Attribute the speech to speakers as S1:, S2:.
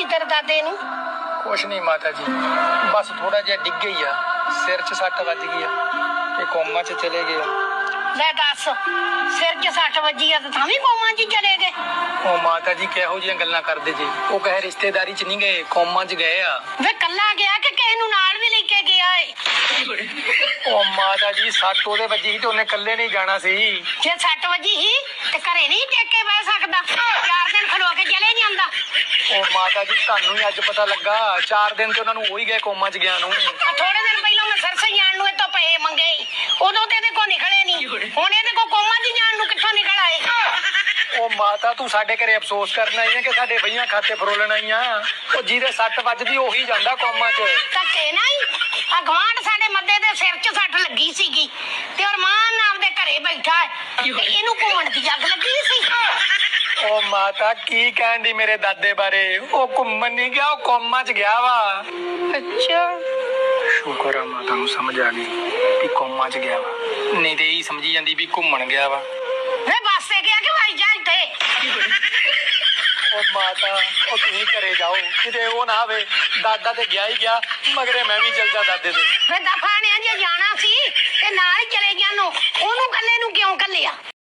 S1: तेरे दादे नूं?
S2: कुछ नहीं माता जी, बस थोड़ा जिहा डिग गई आ, सिर च सट वज गई आ ते कोमा च चले गए आ।
S1: ले दस, सिर च सट वजी आ तां भी कोमा च चले गए?
S2: ओ माता जी किहो जिहियां गल्लां करदे जी, ओ कहे रिश्तेदारी च नहीं गए, कोमा च गए आ।
S1: वे कल्ला गया कि किसे नूं नाल भी लेके गया है?
S2: ओ माता जी सट ओदे वजी ही ते ओने कल्ले नहीं जाना सी।
S1: जे सट वजी ही ते घरे नहीं टेक के बह सकदा, 4 दिन खलो के चले ਜਾਂਦਾ।
S2: ओ माता जी ਤੁਹਾਨੂੰ ਹੀ ਅੱਜ ਪਤਾ ਲੱਗਾ, 4 ਦਿਨ ਤੇ ਉਹਨਾਂ ਨੂੰ ਹੋ ਹੀ ਗਏ ਕੋਮਾ ਚ ਗਿਆ ਨੂੰ।
S1: ਥੋੜੇ ਦਿਨ ਪਹਿਲਾਂ ਮੈਂ ਸਰਸੇ ਜਾਣ ਨੂੰ ਇਤੋਂ ਪਏ ਮੰਗੇ, ਉਦੋਂ ਤੇ ਇਹਦੇ ਕੋ ਨਿਕਲੇ ਨਹੀਂ, ਹੁਣ ਇਹਦੇ ਕੋ ਕੋਮਾ ਚ ਜਾਣ ਨੂੰ ਕਿੱਥੋਂ ਨਿਕਲ ਆਏ?
S2: ਉਹ ਮਾਤਾ ਤੂੰ ਸਾਡੇ ਘਰੇ ਅਫਸੋਸ ਕਰਨ ਆਈ ਆ ਕਿ ਸਾਡੇ ਵਈਆਂ ਖਾਤੇ ਫਰੋਲਣ ਆਈ ਆ? ਉਹ ਜਿਹਦੇ ਸੱਟ ਵੱਜਦੀ ਉਹੀ ਜਾਂਦਾ ਕੋਮਾ ਚ।
S1: ਧੱਕੇ ਨਹੀਂ, ਆ ਗਵਾਂਢ ਸਾਡੇ ਮੱਦੇ ਦੇ ਸਿਰ 'ਚ ਸੱਟ ਲੱਗੀ ਸੀਗੀ ਤੇ ਅਰਮਾਨ ਆਪਦੇ ਘਰੇ ਬੈਠਾ ਹੈ ਤੇ ਇਹਨੂੰ ਘੁੰਮਣ ਦੀ ਅੱਗ ਲੱਗੀ ਸੀ।
S2: ਉਹ ਮਾਤਾ ਕੀ ਕਹਿਣ ਦੀ ਮੇਰੇ ਦਾਦੇ ਬਾਰੇ? ਉਹ ਘੁੰਮਣ ਨਹੀਂ ਗਿਆ, ਉਹ ਕੋਮਾ ਚ ਗਿਆ ਵਾ।
S1: ਅੱਛਾ,
S2: ਸ਼ੁਕਰ ਆ ਮਾਤਾ ਨੂੰ ਸਮਝ ਆ ਗਈ ਕਿ ਕੋਮਾ ਚ ਗਿਆ ਵਾ, ਨਹੀਂ ਤੇ ਇਹੀ ਸਮਝੀ ਜਾਂਦੀ ਵੀ ਘੁੰਮਣ ਗਿਆ ਵਾ।
S1: ਵੇ ਬੱਸੇ ਗਿਆ ਕਿ ਵਾਈ ਜਾ ਇੱਥੇ?
S2: ਉਹ ਮਾਤਾ ਉਹ ਤੁਸੀਂ ਘਰੇ ਜਾਓ, ਕਿਤੇ ਉਹ ਨਾ ਆਵੇ ਦਾਦਾ ਤੇ ਗਿਆ ਹੀ ਗਿਆ, ਮਗਰੇ ਮੈਂ ਵੀ ਚੱਲ ਜਾ ਦਾਦੇ ਦੇ।
S1: ਵੇ ਦਫਾ ਨੇ ਜੇ ਜਾਣਾ ਸੀ ਤੇ ਨਾਲ ਹੀ ਚਲੇ ਗਿਆ ਨੂੰ, ਉਹਨੂੰ ਕੱਲੇ ਨੂੰ ਕਿਉਂ ਕੱਲਿਆ?